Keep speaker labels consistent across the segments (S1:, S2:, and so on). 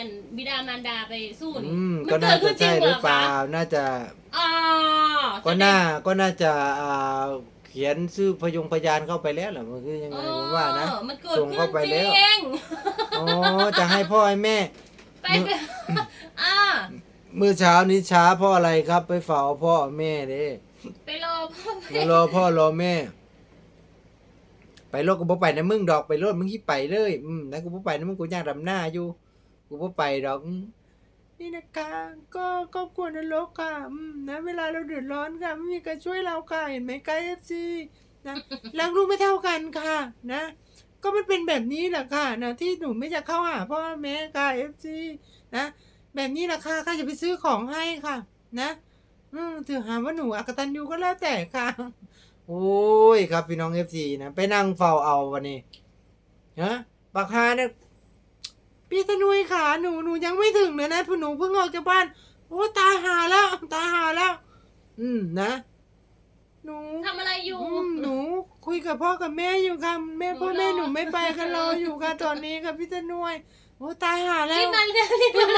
S1: อันบิดามารดาไปสู้นี่
S2: ก็น่าจะใช่หรือเปล่าน่าจะก็น่าจะเขียนชื่อพยานเข้าไปแล้วเหรอมันคือยังไงผมว่านะส่งเข้าไปแล้วอ๋อจะให้พ่อให้แม่
S1: ไป
S2: เมื่อเช้านี้ช้าเพราะอะไรครับ ไปเฝ้าพ่อแม่เด้
S1: ไปรอพ่อ
S2: ไปรอพ่อรอแม่ไปรถกูบ่ไปนะมึงดอกไปรถมึงที่ไปเลยนะกูบ่ไปนะมึงกูย่างดำหน้าอยู่กูบ่ไปดอกนี่นะคะก็ครอบครัวนรกค่ะนะเวลาเราเดือดร้อนค่ะไม่มีใครช่วยเราค่ะเห็นไหมไกด์ FC นะรักลูกไม่เท่ากันค่ะนะก็มันเป็นแบบนี้แหละค่ะนะที่หนูไม่จะเข้าหาพ่อแม่ค่ะ FC นะแบบนี้แหละค่ะข้าจะไปซื้อของให้ค่ะนะถือหาว่าหนูอกตัญญูก็แล้วแต่ค่ะโอ้ยครับพี่น้อง FC นะไปนั่งเฝ้าเอาวันนี้ฮะบักฮาเนี่ยพี่ธนุยขาหนูยังไม่ถึงเลยนะหนูเพิ่งออกจากบ้านโอ้ตายหาแล้วนะหนู
S1: ทำอะไรอยู่
S2: หนูคุยกับพ่อกับแม่อยู่ค่ะพ่อแม่หนูไม่ไปกันรออยู่ค่ะตอนนี้ค่ะพี่ธนุยโอ้ตายหาแล้วรีบมาเร็ว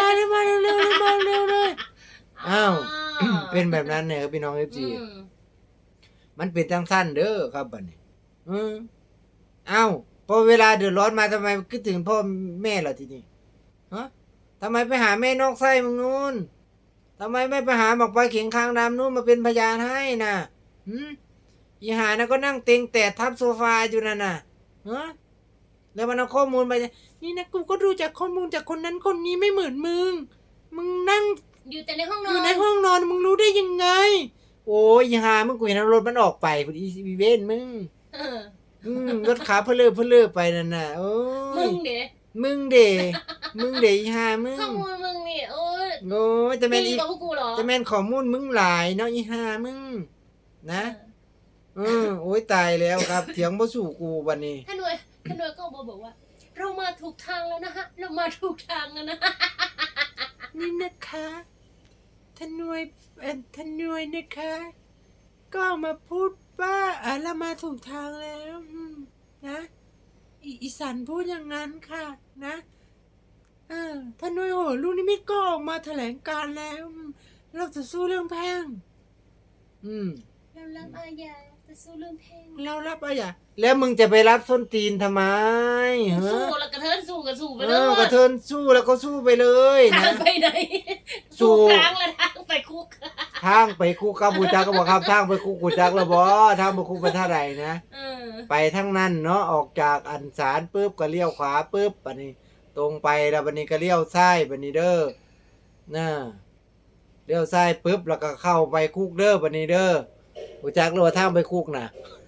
S2: เลยอ้าวเป็นแบบนั้นเนี่ยครับพี่น้อง FC มันเป็นจังสั้นเด้อครับบัดนี้อ้าวพอเวลาเดือดร้อนมาทำไมคิดถึงพ่อแม่ล่ะทีนี้ฮะทำไมไปหาแม่นอกไส้มึงนู้นทำไมไม่ไปหาบอกไปเข่งคางดำนู้นมาเป็นพยานให้น่ะอีหานะก็นั่งเต็งแต่ทับโซฟาอยู่นั่นน่ะฮะแล้วมันเอาข้อมูลไปนี่นะกูก็ดูจากข้อมูลจากคนนั้นคนนี้ไม่เหมือนมึงนั่ง
S1: อยู่แต่ในห้องนอน
S2: อยู่ในห้องนอนมึงรู้ได้ยังไงโอ้ยอีหามึงกูเห็นรถมันออกไปพอดีอีเวนมึงรถขาเพลือไปนั่นน่ะโอ้ยมึงเดอีหามึง
S1: ข้อมูลมึงนี่โอ้
S2: ยจะแม่น
S1: อีกับพวกกูเหรอ
S2: จะแม่นข้อมูลมึงหลายเนาะอีหามึงนะโอ้ยตายแล้วครับเถียงบ่สู้กูบัดนี้
S1: ท่านหน่วยก็บอกว่าเรามาถูกทางแล้วนะฮะเรามาถูกทางแล้วนะ
S2: นี่นะคะท่านหน่วยนะคะก็มาพูดว่าเรามาถูกทางแล้วนะอีสันพูดอย่างนั้นค่ะนะท่านหน่วยโหลูกนิมิตก็ออกมาแถลงการแล้วเราจะสู้เรื่องแพ่ง
S1: เรารับอาญาจะสู้เรื่องแพ่ง
S2: เรารับอาญาแล้วมึงจะไปรับส้นตีนทำไม
S1: สู้แล้วกระเทินสู้กับสู้ไปเลย
S2: กระเทินสู้แล้วก็สู้ไปเลย
S1: ทางไปไหนสู้ทางแล้วทางไปคุก
S2: ครับบูจักก็บอกครับทางไปคุกบูจักแล้วบ่ทางไปคุกไปท่าไหนนะไปทั้งนั้นเนาะออกจากอันศาลปุ๊บก็เลี้ยวขวาปุ๊บบัดนี้ตรงไปแล้วบัดนี้ก็เลี้ยวซ้ายบัดนี้เด้อน่ะเลี้ยวซ้ายปุ๊บแล้วก็เข้าไปคุกเด้อบัดนี้เด้อบูจักรู้ว่าทางไปคุกน่ะ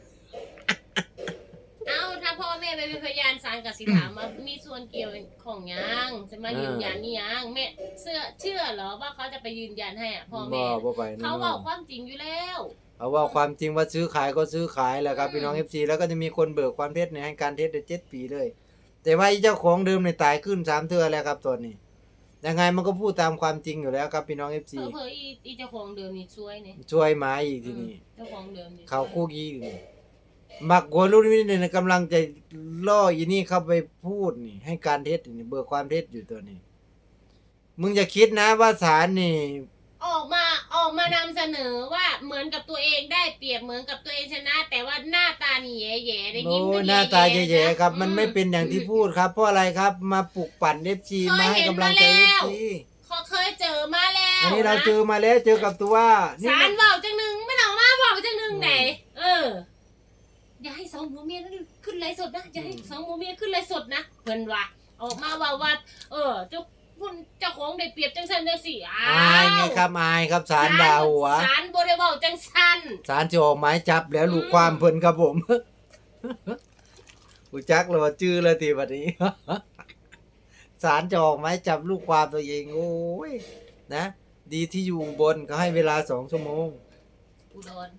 S1: ถ้าพ่อแม่ไปเป็นพยานศาลกับสิถามว่ามีส่วนเกี่ยวของยังจะมายืนยันนี่ยังแม่เชื่อเหรอว่าเขาจะไปยืนยันให้พ่อแม่เขาบอกความจริงอยู่แล้ว
S2: เอาว่าความจริงว่าซื้อขายก็ซื้อขายแหละครับพี่น้อง FC แล้วก็จะมีคนเบิกความเท็จในให้การเท็จได้7 ปีเลยแต่ว่าเจ้าของเดิมเนี่ยตายขึ้น3 เทื่อแล้วครับตอนนี้ยังไงมันก็พูดตามความจริงอยู่แล้วครับพี่น้อง FC
S1: เผยอีเจ้าของเดิมนี่
S2: ช่วยหมาอีกทีนี้
S1: เจ้าของเดิมนี่
S2: เขาคุกอีกมักโกรุ่นนี้เนี่ยกำลังจะล่ออีนี่เข้าไปพูดนี่ให้การเท็จนี่เบิกความเท็จอยู่ตัวนี้มึงอย่าคิดนะว่าศาลนี่
S1: ออกมานำเสนอว่าเหมือนกับตัวเองได้เปรียบเหมือนกับตัวเองชนะแต่ว่าหน้าตานี่แย่ๆได้ยิ้ม
S2: หน้าตาแย่ๆครับมันไม่เป็นอย่างที่พูดครับเพราะอะไรครับมาปลุกปั่น FC มาให้กำลังใจ FC
S1: เขาเคยเจอมาแล้ว
S2: อันนี้เราเจอมาแล้วเจอกับตัว
S1: ศาลเว้าจังนึงไม่เอามาเว้าจังนึงไหนอย่าให้2 ผัวเมียนั้นขึ้นไลฟ์สดนะอย่าให้2 ผัวเมียขึ้นไลฟ์สดนะเพิ่นว่าออกมาว่าเจ้าของได้เปรียบจังซั่นจังซี่
S2: อายไงครับอายครับศาลด่าหัว
S1: ศาลบ่ได้เว้าจังซั่น
S2: ศาลจะออกหมายจับแล้วลูกความเพิ่นครับผมกูจักเลยว่าชื่อเลยทีบัดนี้ศาลจะออกหมายจับลูกความตัวเองโอ้ยนะดีที่อยู่บนก็ให้เวลา2 ชั่วโมง
S1: อุดร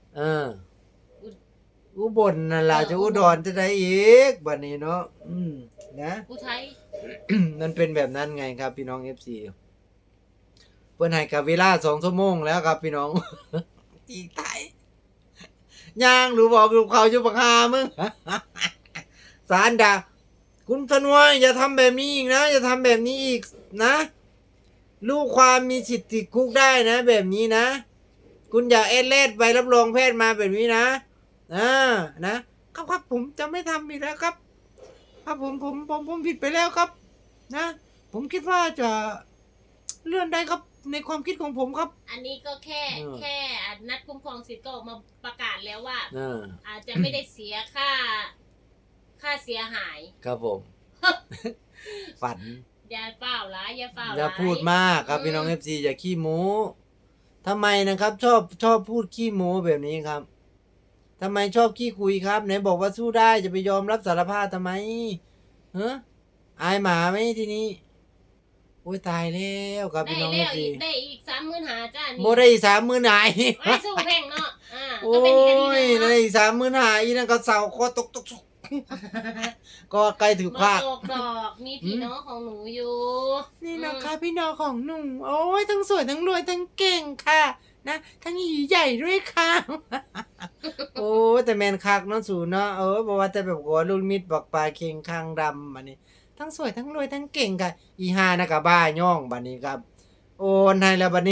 S2: อุบลนั่นล่ะจะอุดรจะได้อีกบัดนี้เนาะนะ
S1: อุทัย
S2: มันเป็นแบบนั้นไงครับพี่น้อง FC เพิ่นให้กับเวลา2 ชั่วโมงแล้วครับพี่น้องอีกไทยย่างหรือบอกลูกเขาอยู่บักหามึงศาลด่าคุณตนวยอย่าทำแบบนี้อีกนะอย่าทำแบบนี้อีกนะลูกความมีสิทธิ์ติดคุกได้นะ แบบนี้นะ คุณอย่าเอเลดใบรับรองแพทย์มาแบบนี้นะครับครับผมจะไม่ทำอีกแล้วครับครับผมผิดไปแล้วครับ นะ ผมคิดว่าจะเลื่อนได้ครับในความคิดของผมครับ
S1: อันนี้ก็แค่
S2: เออ
S1: แค่นัดคุ้มครองสิทธิ์ก็ออกมาประกาศแล้วว่า
S2: เออ
S1: อาจจะไม่ได้เสียค่าเสียหาย
S2: ครับผม ฝัน
S1: อย่าเฝ้าร้ายอย่าเฝ้า
S2: อย่า
S1: ร้าย
S2: พูดมากครับพี่น้องเอฟซีอย่าขี้โม้ทำไมนะครับ ชอบพูดขี้โม้แบบนี้ครับทำไมชอบขี้คุยครับไหนบอกว่าสู้ได้จะไปยอมรับสารภาพทำไมเฮ้ออายหมาไหมทีนี้โอ้ยตายแล้วครับ
S1: ได้
S2: พี่น้องเอ
S1: แล้
S2: ฟ
S1: ว
S2: ซี
S1: ได้อีก35,000จ้านี่
S2: โมได้อีก30,000หาย
S1: ไว้สู้แพ่งเนาะ
S2: โอ้
S1: ก็เป็นอีกคดี
S2: ย
S1: หนึง
S2: ได้
S1: เนาะ
S2: อีก30,000หายอีนั่นก็เสาคอตกก็ใกล้ถึง
S1: มา
S2: ภาค
S1: ตกดอกมีพี่น้องของหนูอยู่
S2: นี่นะคะพี่น้องของหนุ่มโอ้ยทั้งสวยทั้งรวยทั้งเก่งค่ะ นะทั้งหยีใหญ่ด้วยค่ะ โอ้แต่แมนคักเนาะสูเนาะบอกว่าแต่แบบว่าลูกมิดบอกปลาเค็งคางดำบัดนี้ ทั้งสวยทั้งรวยทั้งเก่งค่ะ อีฮานะกับบ้าย่องบัดนี้ครับ โอนให้แล้วบัดนี้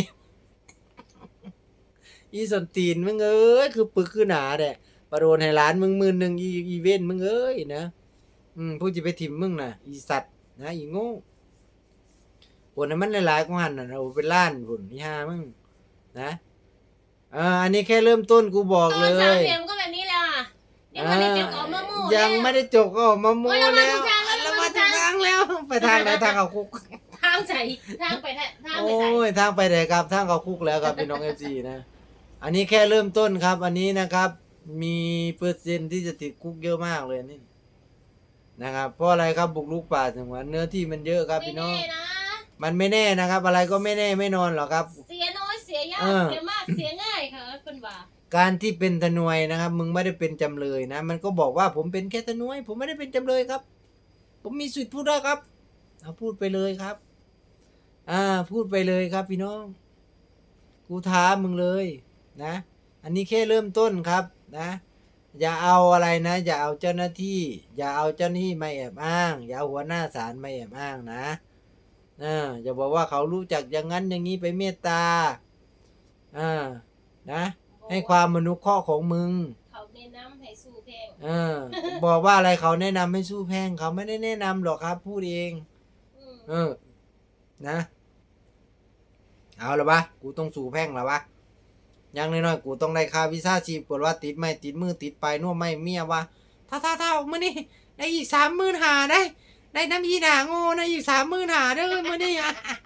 S2: อีสนตีนมึงเอ้ยคือปึกคือหนาแหละประโดนให้ร้านมึง10,000อีเว้นมึงเอ้ยนะผู้จะไปถิ่มมึงน่ะ อีสัตว์นะอีโง่โอนให้มันหลายๆกว่าหันน่ะโอ้เป็นล้านพุ่นอีฮามึงนะอันนี้แค่เริ่มต้นกูบอก
S1: ต
S2: เล
S1: อนสาม
S2: ย
S1: เหลี่ยมก็แบบนี้แหละยังไม่ได้เจอของมะม่วง
S2: ยังไม่ได้จกก็ออกมาโม
S1: เรามา
S2: แล้
S1: ถู
S2: ว
S1: กทางแล้ว
S2: เรา
S1: เรา
S2: มา
S1: มา
S2: ถู
S1: ถู
S2: ก
S1: กทาง
S2: ทางแล้วไปทางไหนทางเข้าคุก
S1: ทางใส่ทางไปทางไป
S2: โอ้
S1: ใส่
S2: ยทางไปไหนครับทางเข้าคุกแล้วครับพี่น้อง FC นะ อันนี้แค่เริ่มต้นครับ อันนี้นะครับ มีเปอร์เซ็นต์ที่จะติดคุกเยอะมากเลยนี่นะครับเพราะอะไรครับบุกรุกป่าสงวนเนื้อที่มันเยอะครับ
S1: ไม่
S2: พี่น้อ
S1: แน่
S2: ง
S1: นะ
S2: มันไม่แน่นะครับ อะไรก็ไม่แน่ไม่นอนหรอกครับ
S1: เสียน้อยเสียยาก
S2: เออ
S1: เสียมากเสียง่ายค่ะเป็นว่า
S2: การที่เป็นทนวยนะครับ มึงไม่ได้เป็นจำเลยนะ มันก็บอกว่าผมเป็นแค่ทนวย ผมไม่ได้เป็นจำเลยครับ ผมมีสิทธิ์พูดได้ครับเอาพูดไปเลยครับ พูดไปเลยครับ พี่น้อง กูท้ามึงเลยนะ อันนี้แค่เริ่มต้นครับนะ อย่าเอาอะไรนะ อย่าเอาเจ้าหน้าที่ อย่าเอาเจ้าหน้าที่มาแอบอ้าง อย่าเอาหัวหน้าศาลมาแอบอ้างนะอย่าบอกว่าเขารู้จักอย่างนั้นอย่างนี้ไปเมตตานะ ให้ความมนุเคราะห์ของมึง
S1: เขาแนะนำให้สู้แพง
S2: บอกว่าอะไรเขาแนะนำให้สู้แพงเขาไม่ได้แนะนำหรอกครับ พูดเอง นะ เอาละวะกูต้องสู้แพ่งละวะอย่างน้อยๆกูต้องได้ค่าวีซ่าชีพกดว่าติดไม่ติดมือติดไปน่วมไม่เมียวะถ้ามื้อนี้ได้อีก30,000หาได้น้ำยีหนาโง่นะอีก30,000หาเด้อมื้อนี้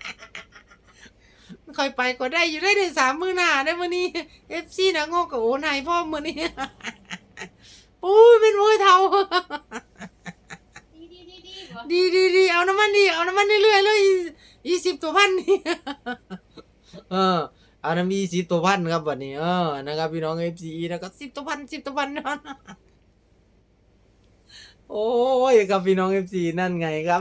S2: ค่อยไปก็ได้อยู่ได้30,000หาได้มื้อนี้ FC นะโง่กับโอนให้พ่อมื้อนี้ โอ้ยเป็นโวยเท่า ดีเอาน้ำมันเรื่อยๆเลย20ตัวพันนี่ เอาน้ำ20ตัวพันครับวันนี้นะครับพี่น้อง FC นะครับ10ตัวพันโอ้ยครับพี่น้อง FC นั่นไงครับ